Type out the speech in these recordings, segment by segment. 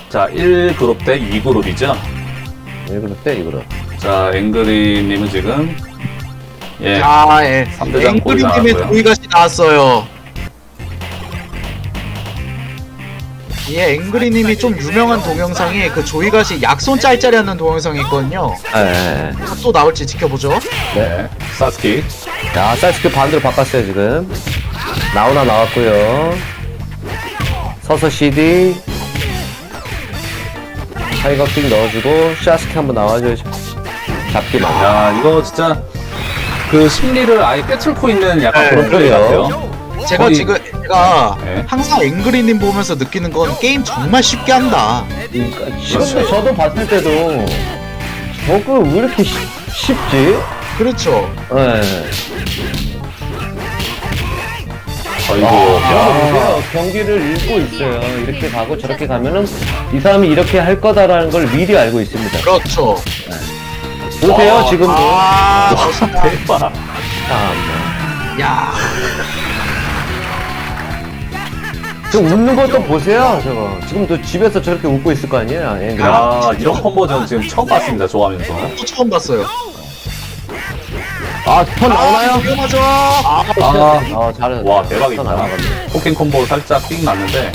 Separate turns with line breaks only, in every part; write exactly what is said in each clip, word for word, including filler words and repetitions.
자, 일 그룹 대 이 그룹이죠.
일 그룹 때 이 그룹.
자, 앵그리님은 지금 예,
자, 예.
삼 대장 거의
앵그리님의
나왔고요.
조이가시 나왔어요. 예, 앵그리님이 좀 유명한 동영상이 그 조이가시 약손 짤짤이 하는 동영상이 있거든요.
네.
또 나올지 지켜보죠.
네, 사스키.
자, 사이스크 반대로 바꿨어요, 지금. 나오나 나왔고요. 서서 씨디. 타이거 픽 넣어주고, 샤스키 한번 나와줘야죠. 잡기만.
야, 이거 진짜 그 심리를 아예 꿰뚫고 있는 약간
네,
그런 플레이
그래요.
같아요.
제가
거의-
지금 제가
네.
항상 앵그리님 보면서 느끼는 건 게임 정말 쉽게 한다.
그러니까 지금도 저도 봤을 때도 저거 왜 이렇게 쉽, 쉽지?
그렇죠.
네.
아이고,
아,
야,
보세요. 경기를 읽고 있어요. 이렇게 가고 저렇게 가면은 이 사람이 이렇게 할 거다라는 걸 미리 알고 있습니다.
그렇죠.
보세요,
와,
지금도.
아,
와, 대박.
참.
야,
저 웃는 것도 보세요, 저거. 지금도 집에서 저렇게 웃고 있을 거 아니에요, 앵글.
야, 이런 콤보전 지금 처음 봤습니다. 좋아하면서.
또 처음 봤어요.
아, 턴 나오나요?
위험하죠. 아,
아,
아, 잘해.
와, 대박이다.
턴 나가네.
포킹 콤보 살짝 삑 났는데.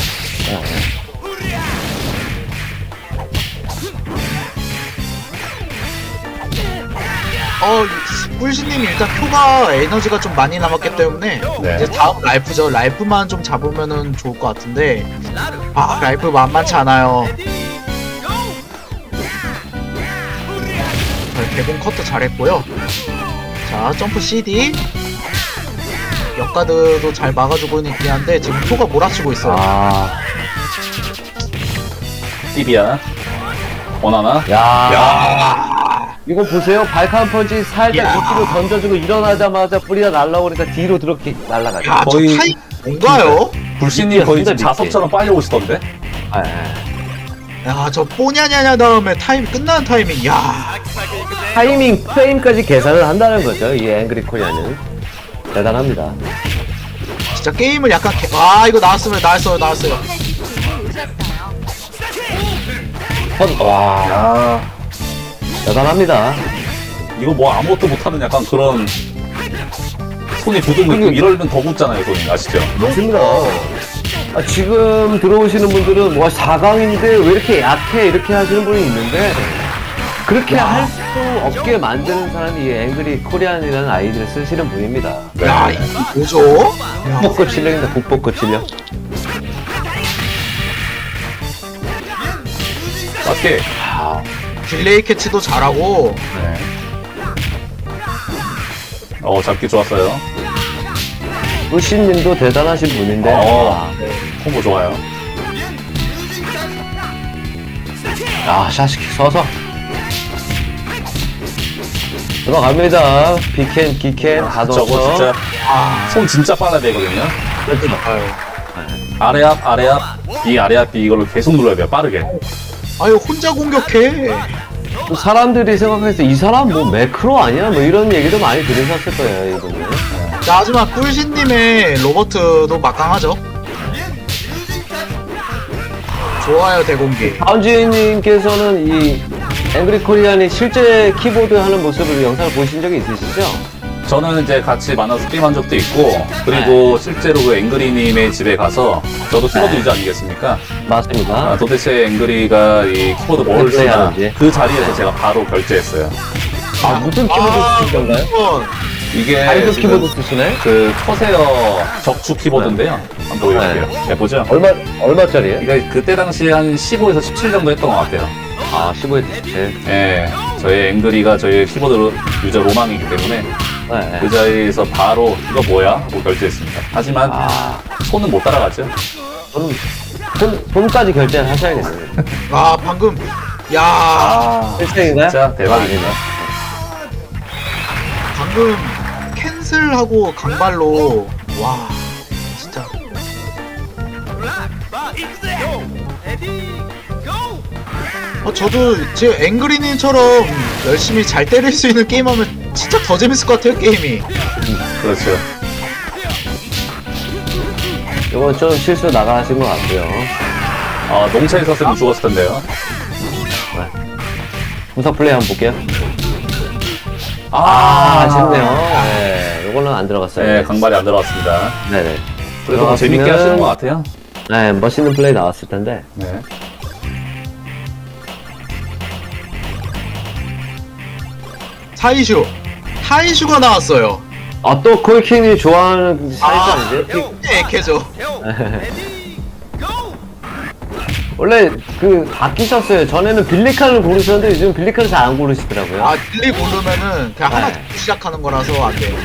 어, 꿀신님이 일단 표가 에너지가 좀 많이 남았기 때문에
네.
이제 다음 라이프죠. 라이프만 좀 잡으면은 좋을 것 같은데 아, 라이프 만만치 않아요. 자, 개봉 커트 잘했고요. 자, 점프 씨디 역가드도 잘 막아주고 있긴 한데 지금 표가 몰아치고 있어요.
아,
띠비야. 원하나?
야.
야,
이거 보세요. 발칸 펀치 살짝
야.
밑으로 던져주고 일어나자마자 뿌리가 날라오니까 뒤로 들어게 날라가죠.
야,
거의-
저 타임 뭔가요?
불신님 거의 지금
미끼였습니다,
자석처럼 빨리 오시던데?
아, 아.
야, 저 뽀냐냐냐 다음에 타임 끝나는 타이밍. 야,
타이밍 프레임까지 계산을 한다는 거죠. 이 앵그리 코리아는 대단합니다.
진짜 게임을 약간 개... 아, 이거 나왔으면 나왔어요, 나왔어요.
턴, 와,
야,
대단합니다.
이거 뭐 아무것도 못하는 약간 그런 손이 굳은 느낌. 이러면 더 굳잖아요, 손이. 아시죠?
맞습니다. 아, 지금 들어오시는 분들은 뭐 사 강인데 왜 이렇게 약해 이렇게 하시는 분이 있는데 그렇게 할 수 없게 만드는 사람이 이 앵그리 코리안이라는 아이디를 쓰시는 분입니다.
네.
야, 이게 뭐죠? 야,
국보급 실력입니다. 국보급 실력.
맞게.
딜레이 캐치도 잘하고.
네. 어, 잡기 좋았어요.
루시님도 대단하신 분인데
어, 콤보 좋아요.
아, 샤시키 서서 들어갑니다. 비캔, 기캔 다
저거
넣어서
진짜
아,
손 진짜 빨라야 되거든요.
아유.
아래 앞, 아래 앞, B, 아래 앞, B 이걸로 계속 눌러야 돼요. 빠르게.
아유, 혼자 공격해.
또 사람들이 생각해서 이 사람 뭐 매크로 아니야? 뭐 이런 얘기도 많이 들으셨을 거예요, 이분은.
자, 하지만 꿀신님의 로버트도 막강하죠. 좋아요, 대공기.
다운지님께서는 이 앵그리 코리안이 실제 키보드 하는 모습을 영상을 보신 적이 있으시죠?
저는 이제 같이 만나서 게임한 적도 있고, 그리고 실제로 그 앵그리님의 집에 가서, 저도 키보드
네.
유저 아니겠습니까?
맞습니다.
아, 도대체 앵그리가 이 키보드 뭘
어떻게
쓰나,
하는지.
그 자리에서 제가 바로 결제했어요.
아, 무슨 키보드 쓰실 건가요?
이건
이게
하이드
지금
키보드 쓰시네?
그 커세어 적축 키보드인데요. 한번 보여드릴게요. 네, 보죠.
얼마, 얼마짜리예요?
이거 그때 당시에 한 십오에서 십칠 정도 했던 것 같아요.
아, 십오에서 십칠.
예, 저희 앵그리가 저희 키보드 유저 로망이기 때문에
네.
그 자리에서 바로 이거 뭐야? 하고 결제했습니다. 하지만
아,
손은 못 따라가죠.
저는 돈, 돈까지 결제를 하셔야겠네요.
아, 방금 야,
아,
실생인가요?
진짜 대박입니다.
방금 캔슬하고 강발로 와, 진짜. 어, 저도 지금 앵그리님처럼 열심히 잘 때릴 수 있는 게임하면 진짜 더 재밌을 것 같아요, 게임이.
그렇죠.
이건 좀 실수 나가신 것 같고요.
아, 농차에 있었으면 죽었을 텐데요.
분석 플레이 한번 볼게요. 아,
아,
아쉽네요. 네, 요거는 안 들어갔어요.
네, 강발이 안 들어갔습니다.
네네.
그래도 뭐 재밌게
들어갔으면-
하시는 것 같아요.
네, 멋있는 플레이 나왔을 텐데.
네.
사이슈. 사이슈가 나왔어요.
아, 또 콜킨이 좋아하는 사이즈 아니지?
네, 액해죠.
원래 그 바뀌셨어요. 전에는 빌리칸을 고르셨는데 요즘 빌리칸을 잘 안 고르시더라고요.
아, 빌리 고르면은 그냥 하나
네.
듣고 시작하는 거라서 안 돼요.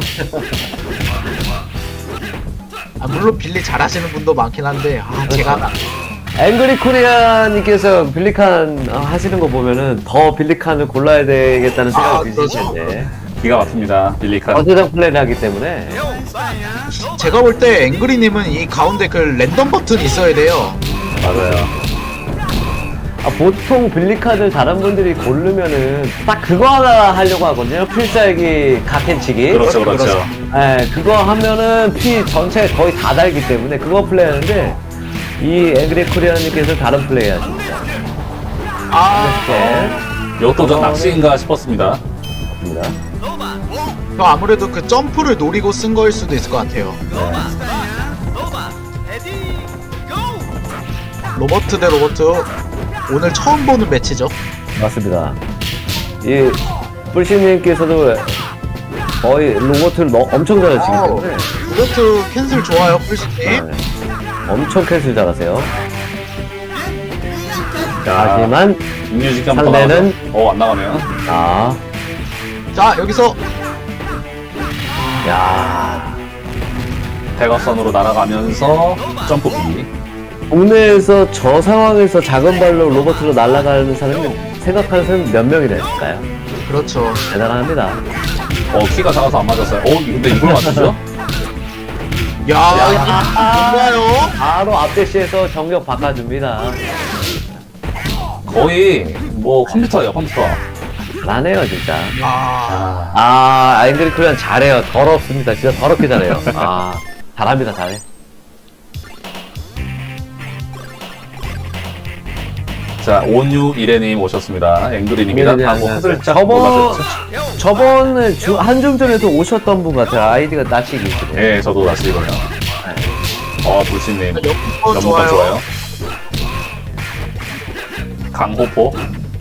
아, 물론 빌리 잘하시는 분도 많긴 한데, 아, 제가.
앵그리 코리아님께서 빌리칸 어, 하시는 거 보면은 더 빌리칸을 골라야 되겠다는 생각이
아,
드실
그렇죠.
텐데.
기가 막힙니다. 빌리칸.
어세장 플레이를 하기 때문에.
제가 볼 때 앵그리님은 이 가운데 그 랜덤 버튼이 있어야 돼요.
맞아요.
아, 보통 빌리카드 다른 분들이 고르면은 딱 그거 하나 하려고 하거든요. 필살기 각캔치기.
그렇죠, 그렇죠.
예, 그거 하면은 피 전체 거의 다 달기 때문에 그거 플레이하는데 이 앵그리 코리아님께서 다른 플레이 하십니다.
아,
이렇게
이것도 전 낚시인가 싶었습니다.
합니다.
저 아무래도 그 점프를 노리고 쓴 거일 수도 있을 것 같아요. 로버트 대 로버트. 오늘 처음 보는 매치죠.
맞습니다. 이 뿔씨님께서도 거의 로봇을 너, 엄청 잘하시기
어,
때문에
로버트 캔슬 좋아요, 뿔씨님.
네, 엄청 캔슬 잘하세요.
자,
하지만
육류직기 한번
상대는-
어, 안 나가네요.
아,
자, 여기서
야,
대각선으로 날아가면서 점프 비.
국내에서 저 상황에서 작은 발로 로봇으로 날아가는 사람이 생각하는 사람이 몇 명이나 있을까요?
그렇죠.
대단합니다.
어, 키가 작아서 안 맞았어요. 어, 근데 이걸 맞추죠?
야, 뭔가요?
바로 앞대시에서 정력 바꿔줍니다.
거의 뭐 컴퓨터예요, 컴퓨터.
잘하네요, 진짜.
아,
아, 아인그리 코리안 잘해요. 더럽습니다. 진짜 더럽게 잘해요. 아, 잘합니다, 잘해.
자, 온유이레님 오셨습니다. 앵그리님이다.
네, 네,
하고
네, 네.
살짝
저번,
놀라셨죠?
저번에 주, 한중전에도 오셨던 분 같아요. 아이디가 낯이기시네요.
예, 저도 낚시거든요. 어, 불신님.
연봉
연봉
좋아요.
좋아요. 강호포.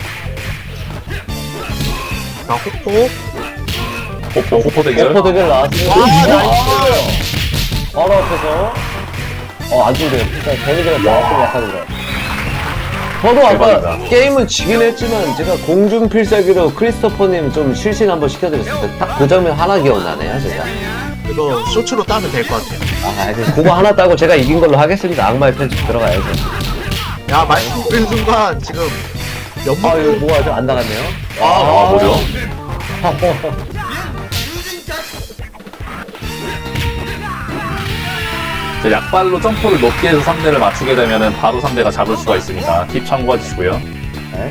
자, 호포.
호포, 호포 대결.
오퍼 대결 나왔습니다.
아,
나이스! 바로 앞에서. 어, 안 죽네요. 일단 데미지가 조금 약하게 들어요. 저도 아까
대박이다.
게임은 지긴 했지만 제가 공중 필살기로 크리스토퍼님 좀 실신 한번 시켜드렸을 때 딱 그 장면 하나 기억나네요, 제가.
이거 쇼츠로 따면 될 것 같아요.
아, 이제 그거 하나 따고 제가 이긴 걸로 하겠습니다. 악마의 편집 들어가야죠.
야, 말씀드린 순간 지금
아,
연봉
이거 뭐가 좀 안 나갔네요?
아, 뭐죠? 자, 약발로 점프를 높게 해서 상대를 맞추게 되면은 바로 상대가 잡을 수가 있으니까 팁 참고해 주시고요.
네.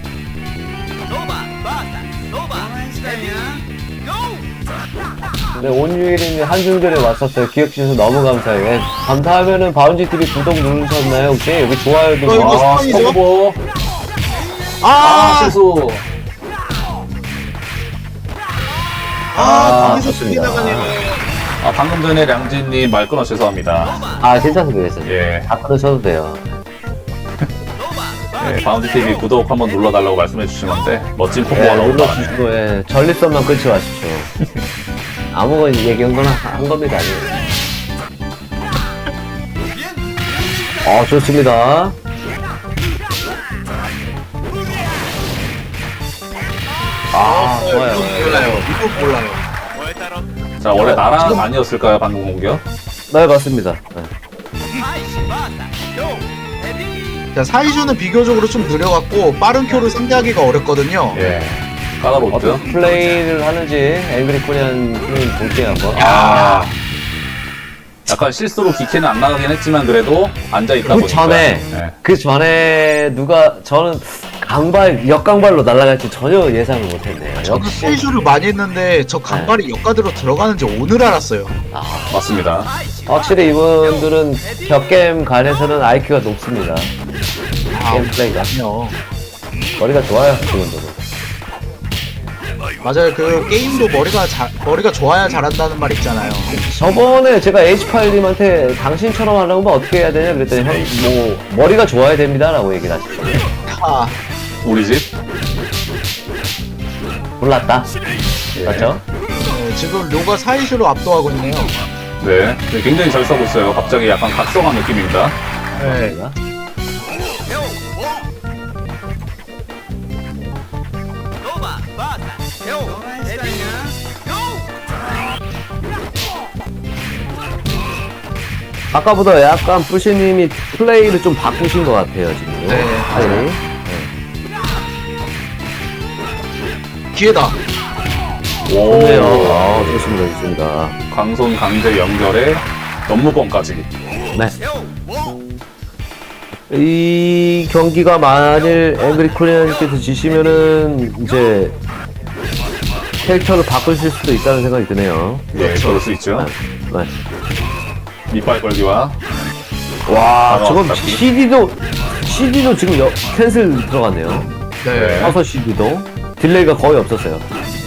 근데 온유일님 한중전에 왔었어요. 기억주셔서 너무 감사해요. 예, 감사하면은 바운지티비 구독 누르셨나요? 혹시 여기 좋아요도
어, 이거
뭐-
아,
스파이죠?
스토브. 아,
아,
실수.
아,
아,
거기서
좋습니다.
스피 나가네요.
아, 방금 전에 량진님 말 끊어 죄송합니다.
아, 괜찮습니다. 괜찮습니다.
예.
다 끊으셔도 돼요.
예, 바운드티비 구독 한번 눌러달라고 말씀해 주신 건데, 멋진 포부가
예,
너무 많아요.
눌러주시고, 예, 전립선만 끊지 마십시오. 아무거나 얘기한 거나 한 겁니다. 아니에요. 어, 좋습니다. 아, 좋아요.
이건 몰라요. 이건 몰라요.
자, 원래 나랑 아니었을까요, 방금 공격?
네, 맞습니다. 네.
자, 사이즈는 비교적으로 좀 느려갖고 빠른 큐를 상대하기가 어렵거든요.
예. 까다롭죠?
어떤 플레이를 하는지 앵그리 코리안 플레이 볼게요, 한번.
아. 약간 실수로 기캐는 안 나가긴 했지만, 그래도 앉아있다
그
보니까.
전에,
예.
그 전에 누가, 저는 강발, 역강발로 날아갈지 전혀 예상을 못했네요.
저는
역시.
사이즈를 많이 했는데 저 간발이 역가드로 들어가는지 오늘 알았어요.
아,
맞습니다.
확실히 이분들은 격겜 간에서는 아이큐가 높습니다.
아,
게임 플레이가.
아니요.
머리가 좋아요, 지금도.
맞아요. 그 게임도 머리가 잘 머리가 좋아야 잘한다는 말 있잖아요.
저번에 제가 에이치파일님한테 당신처럼 하려면 어떻게 해야 되냐 그랬더니 형, 뭐, 머리가 좋아야 됩니다. 라고 얘기를 하시더라고요.
아,
우리 집?
몰랐다.
예.
맞죠?
네, 지금 료가 사이슈로 압도하고 있네요.
네. 네, 굉장히 잘 싸고 있어요. 갑자기 약간 각성한 느낌입니다.
네.
제가. 아까보다 약간 뿌시님이 플레이를 좀 바꾸신 것 같아요, 지금.
네.
아니.
기회다.
오.
좋네요. 아, 좋습니다, 좋습니다.
강손 강제 연결에 업무범까지.
네. 이 경기가 만일 앵그리 코리안님께서 지시면은 이제 캐릭터를 바꾸실 수도 있다는 생각이 드네요.
예, 그럴 수 있죠.
네.
이빨 걸기와
와,
바로
저건
앞잡기.
씨디도 씨디도 지금 여, 캔슬 들어갔네요.
네.
서서 씨디도 딜레이가 거의 없었어요.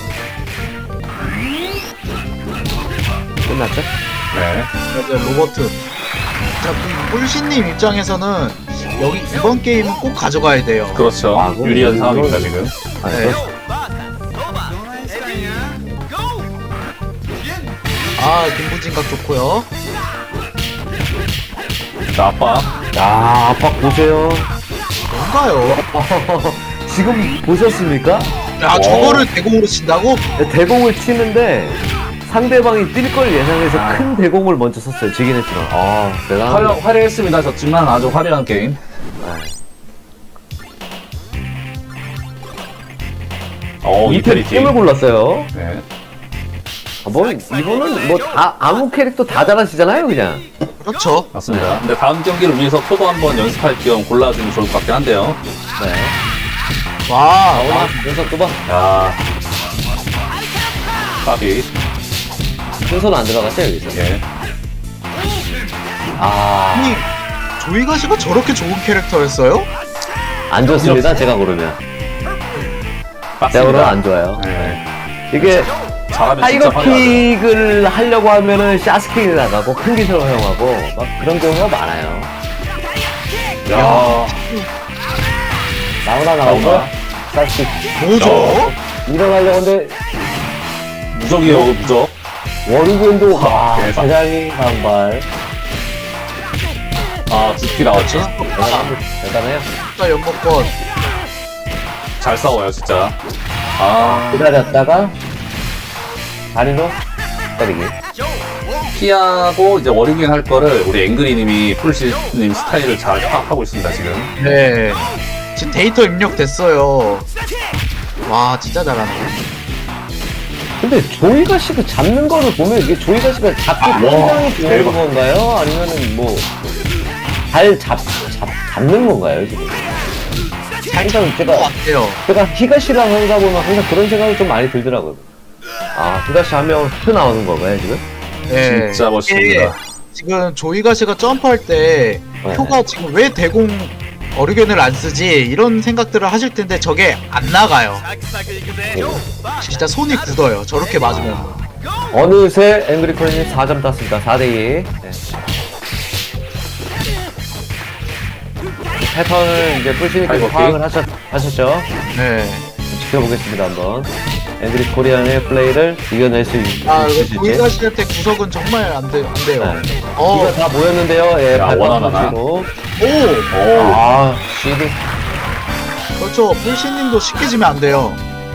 끝났죠?
네.
맞아요. 로버트. 자, 그 꿀신님 입장에서는 여기 이번 게임은 꼭 가져가야 돼요.
그렇죠.
아, 그럼
유리한
이건-
상황입니다, 지금.
아,
네.
그렇죠.
아, 김부진각 좋고요.
자, 아빠.
야, 압박 보세요.
뭔가요?
지금 보셨습니까?
야, 저거를 대공으로 친다고?
대공을 치는데 상대방이 뛸 걸 예상해서
아.
큰 대공을 먼저 썼어요. 지긴 했지만. 아, 대단하다.
화려, 화려했습니다. 졌지만 아주 화려한 게임. 어,
이편
이태리티.
팀을 골랐어요.
네.
아, 뭐, 이거는 뭐 다, 아무 캐릭터 다 잘하시잖아요, 그냥.
그렇죠.
맞습니다. 근데 다음 경기를 위해서 표도 한번 연습할 겸 골라주면 좋을 것 같긴 한데요.
네.
와,
아, 순서 또 봐.
야 까비.
순서는 안 들어갔어요, 여기서.
예.
아,
아니, 조이가시가 저렇게 좋은 캐릭터였어요?
안 좋습니다, 제가 고르면. 제가 고르면 안 좋아요.
네.
이게,
잘하면 진짜
타이거
화려하죠.
킥을 하려고 하면은 샤스킥이 나가고 큰 기술 사용하고 막 그런 경우가 많아요.
야,
나오나
나오나?
나오나? 샤스킥.
뭐죠?
일어나려고 하는데
무적이에요, 무적.
워리군도 와,
대박.
대장이 강발.
아, 두피 나왔죠?
대단합니다. 대단해요.
진짜 연목권.
잘 싸워요, 진짜. 아,
기다렸다가 다리로 때리기.
피하고 이제 워링갱 할 거를 우리 앵그리님이 풀시님 스타일을 잘 파악하고 있습니다, 지금.
네. 지금 데이터 입력됐어요. 와, 진짜 잘하네.
근데 조이가 씨가 잡는 거를 보면 이게 조이가 씨가 잡기
와,
굉장히 좋은
대박.
건가요? 아니면은 뭐 잘 잡, 잡, 잡는 건가요, 지금? 항상
것
제가,
같아요.
제가 히가시랑 하다 보면 항상 그런 생각이 좀 많이 들더라고요. 아, 히가시 하면 휘 나오는 건가요, 지금?
네.
진짜 멋있습니다.
이게 지금 조이가시가 점프할 때
네.
표가 지금 왜 대공 어류견을 안 쓰지? 이런 생각들을 하실 텐데 저게 안 나가요. 진짜 손이 굳어요. 저렇게 맞으면.
어느새 앵그리 코리님 사 점 땄습니다. 사 대 이. 네. 패턴을 이제 뿔시니께서
아이고,
파악을 하셨, 하셨죠?
네.
지켜보겠습니다, 한번. 앵그리 코리안의 플레이를 이겨낼 수 있-
아, 이거
있으실지.
조이가시한테 구석은 정말 안, 돼, 안 돼요.
네.
어,
이거 다 모였는데요. 예,
야,
발판
원하나.
보시고.
오!
오,
아, 씨디.
그렇죠. 불신님도 쉽게 지면 안 돼요.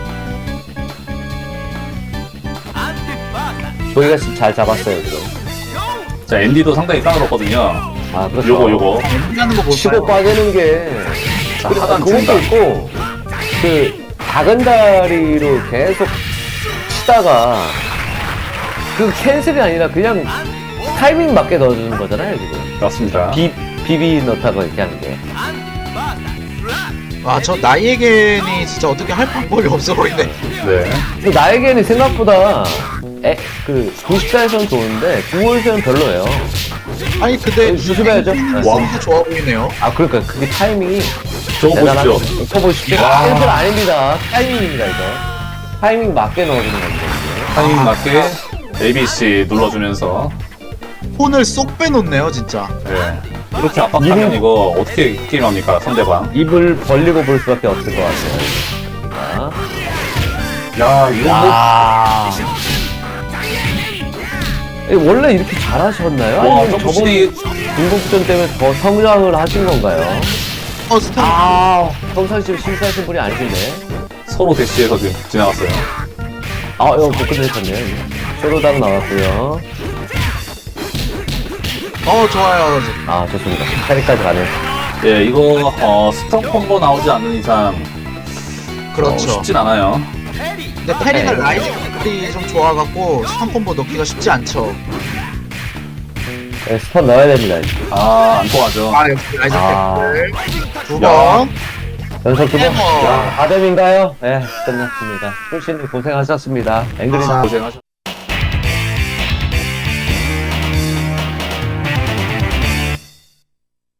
조이가 씨 잘 잡았어요, 지금.
자, 앤디도 상당히 까다롭거든요.
아, 그렇죠.
요거, 요거.
하는 거
치고
볼까요?
빠지는 게.
자,
그리고
하단
그것도
중단.
있고, 그, 작은 다리로 계속 치다가, 그 캔슬이 아니라 그냥 타이밍 맞게 넣어주는 거잖아요, 지금.
맞습니다.
비, 비비 넣다가 이렇게 하는 게.
아, 저 나이에겐이 진짜 어떻게 할 방법이 없어 보이네.
네.
근데 나에게는 생각보다, 에, 그, 구십 대에서는 좋은데, 구월에서는 별로예요.
아니, 근데
조심해야죠.
앵그리는
와.
진짜 좋아 보이네요.
아, 그러니까 그게 타이밍이
저거
대단한
보십시오.
거 보십시오.
와.
캔슬 아닙니다. 타이밍입니다 이거. 타이밍 맞게 넣어주는 건데.
타이밍 맞게 에이비씨 눌러주면서
폰을 쏙 빼놓네요 진짜.
네. 이렇게 압박하면
이거-
이거 어떻게 게임합니까 상대방?
입을 벌리고 볼 수밖에 없을 것 같아요.
야 이거 뭐
아. 원래 이렇게 잘하셨나요?
와
아니면
점프
저번
시리
중국전 때문에 더 성장을 하신 건가요?
어 스탄.
아, 평상시에 실수하신 분이 아니신데.
서로 대시해서 지금 지나갔어요.
아, 이거 못 끝내셨네요. 쇼로당 나왔고요.
어 좋아요.
아, 좋습니다. 차리까지 가네요.
예 이거 어, 스턴 콤보 나오지 않는 이상 어,
그렇죠.
쉽진 않아요.
근데 페리가
네.
라이징이 좀 좋아갖고 스턴 콤보 넣기가 쉽지 않죠.
네, 스턴 넣어야 됩니다. 이제.
아안 통하죠.
아 역시 라이징
아.
팩들 두
야.
번.
연속 두 번.
해머.
자, 아뎀인가요? 네, 끝났습니다. 출신님 고생하셨습니다. 앵그리
아.
고생하셨.